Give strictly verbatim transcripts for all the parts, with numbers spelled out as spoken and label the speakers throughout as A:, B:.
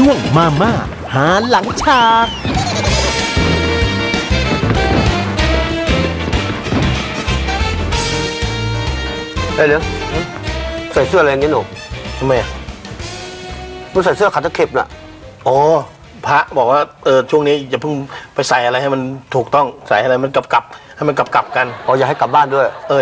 A: ช่วงมาม่าหาหลังฉาก
B: เฮ้ยเดี๋ยวใส่เสื้ออะไรอย่างงี้หนูทำไมอ่ะมึงใส่เสื้อขาตะเข็บน่ะ
C: อ๋อพระบอกว่าเออช่วงนี้อย่าเพิ่งไปใส่อะไรให้มันถูกต้องใส่อะไรมันกลับกลับให้มันกลับกลับกัน
B: อ๋ออย่าให้กลับบ้านด้วย
C: เออ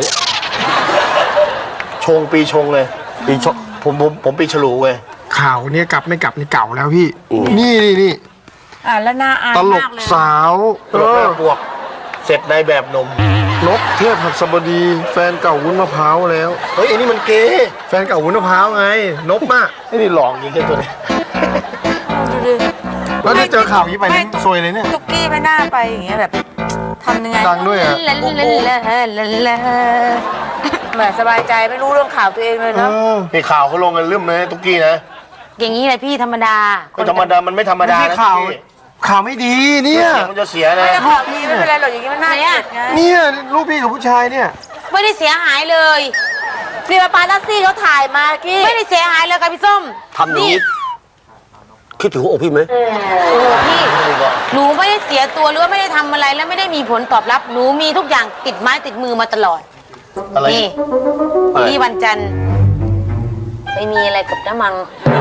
C: ชงปีชงเลย
B: ปีชก
C: ผมผมผมปีฉลูเว้ย
D: ข่าวเนี่ยกลับไม่กลับนี่เก่าแล้วพี่ นี่นี่นี่
E: อ่าแล้วน่าอาย
D: ตลก
E: มากเลย
D: สาว
C: ตลกแม่บวกเสร็จในแบบหนม
D: นกเทพหัสบดี แฟนเก่าวุ้นมะพร้าวแล้ว
C: เฮ้ยไอ้นี่มันเกย์
D: แฟนเก่าวุ้นมะพร้าวไง นกมาก
C: ไอ้นี่หลอกยิงแค่ตัวนี้
E: ดูดิ
D: แล้วได้เจอข่าวนี้ไปนี่ซวยเลยเนี่ย
E: ตุ๊กกี้ไม่น่าไปอย่างเงี้ยแบบทำยังไง
D: ดังด้วยอะ
E: ลาลาลาลาลาแหมสบายใจไม่รู้เรื่องข่าวตัวเองเลย
D: เอ
E: เนาะ
D: อ
C: นี่ข่าวเขาลงกันลืมเลยตุ๊กกี้นะ
F: อย่างนี้เลยพี่ธรรมดา
C: ก็ธรรมดามันไม่ธรรมดา
D: ไม่ใช่
C: นะ
D: ข่าว
C: ตุ๊กกี้
D: ข่าวไม่ดีเนี่ย
C: เสียงมันจะเสียนะ
E: ไม่ได้ข่าวดีไม่เป็นไรหรอกอย่างงี้มันน่าเกลียดไง
D: เนี่ยลูกพี่กับผู้ชายเนี่ย
F: ไม่ได้เสียหายเลย
E: นี่มาปาลัสซี่เขาถ่ายมากี้
F: ไม่ได้เสียหายเลยค่ะพี่ส้ม
B: ทำอย่างนี้คิดถึงหัวอกพี่ไหม
F: โอ้พี่หนูไม่ได้เสียตัวหรือว่าไม่ได้ทำอะไรแล้วไม่ได้มีผลตอบรับหนูมีทุกอย่างติดไม้ติดมือมาตลอด
C: อะไร
F: นี่พี่วันจันทร์ไปมีอะไรกับน้ำมัง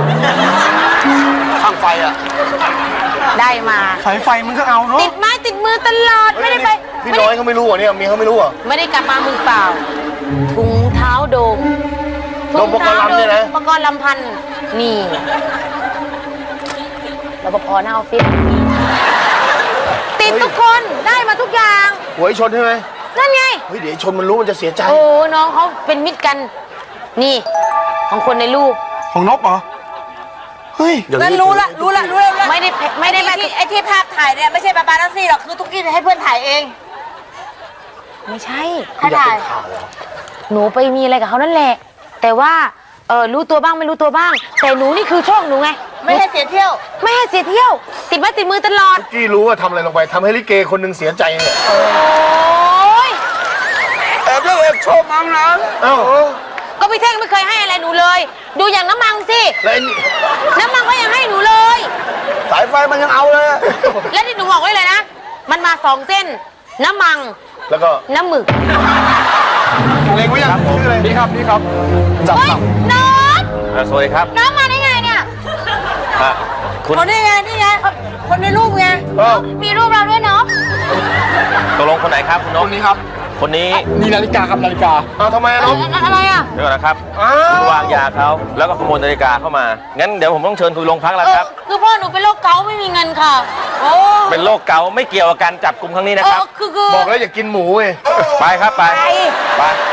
B: ข้างไฟอ่ะ
F: ได้มา
D: สายไฟมันก็เอาเนาะ
F: ติดไม้ติดมือตลอดไม่ได้ไป
C: พี่
F: ไม่
C: น้อ
F: ได้
C: ยเขาไม่รู้เหรอเนี่ยเมียเขาไม่รู้เหรอ
F: ไม่ได้กลับมามือเปล่าถุงเท้าโดม
C: โดมปกรณ์ลำเนี่ยนะ
F: อุปกรณ์ลำพันธ์นี่รปภหน้าออฟฟิศติดทุกคนได้มาทุกอย่าง
C: หวยชนใช่ไหม
F: นั่นไง
C: เฮ้ยเดี๋ยวชนมันรู้มันจะเสียใจ
F: โอ้น้องเขาเป็นมิตรกัน นี่ ของคนในรูป
D: ของนกเหรอ เฮ้ย
B: อย่าง
E: นั่น
B: นี้
E: รู้ละรู้ละรู้ละ
F: ไม่ได้ไม่ได้
E: ไอ้
F: มา
E: ที่ไอ้ที่ภาพถ่ายเนี่ยไม่ใช่ปาปาลัสซี่หรอกคือตุ๊กกี้ให้เพื่อนถ่ายเอง
F: ไม่ใช่
E: ใครถ่าย
F: หนูไปมีอะไรกับเขานั่นแหละ แต่ว่าเออรู้ตัวบ้างไม่รู้ตัวบ้าง แต่หนูนี่คือโชคหนูไง
E: ไม่ให้เสียเที่ยว
F: ไม่ให้เสียเที่ยว ติดไม้ติดมือตลอด
C: ตุ๊กกี้รู้ว่าทำอะไรลงไปทำให้ลิเกคนหนึ่งเสียใจเนี่ย
F: โอ้ย
C: แอบแล้วแอบชอบมั้งนะเอ้า
F: ก็พี่เท่งไม่เคยให้อะไรหนูเลย ดูอย่างน้ำมังสิ
C: แล้วไอ้นี่
F: น้ำมังก็ยังให้หนูเลย
C: สายไฟมันยังเอาเลย
F: และที่หนูบอกไว้เลยนะ มันมาสองเส้น น้ำมัง
C: แล้วก็
F: น้ำหมึก
D: เล็งไว้ยังชื่ออะไรนี่ครับนี่ครับ
C: จับ
F: เฮ้ย
C: จับ
F: น้อง
G: สวัสดีครับ
F: น้องมาได้ไงเนี่ย
G: อ่ะคุณ
E: คนนี้ไงนี่ไงคนในรูปไง
C: เอ้า
F: มีรูปเราด้วยเนาะ
G: ตกลงคนไหนครับคุณนก
D: คนนี้ครับ
G: คนนี้
D: นี่นาฬิกาครับนาฬิกา
C: เอาทำไมอะน้อง
F: อะไรอ่ะ
G: เดี๋ยวก่อนนะครับ
C: อ้า
G: คุณ
C: ว
G: วางยาเขาแล้วก็ขโมยนาฬิกาเข้ามา งั้นเดี๋ยวผมต้องเชิญคุยโรงพักแล้ว
F: เอ
G: ค
F: อ
G: รับ
F: คือพ่อหนูเป็นโรคเกาต์ไม่มีเงินค่ะ โอ้
G: เป็นโรคเกาต์ไม่เกี่ยวกับการจับกลุ่มครั้งนี้นะ
F: เอ
G: ครับ
F: อคือคือ
C: บอกแล้วอย่ากินหมูเว้ย
G: ไปครับไป
F: ไป
G: ไป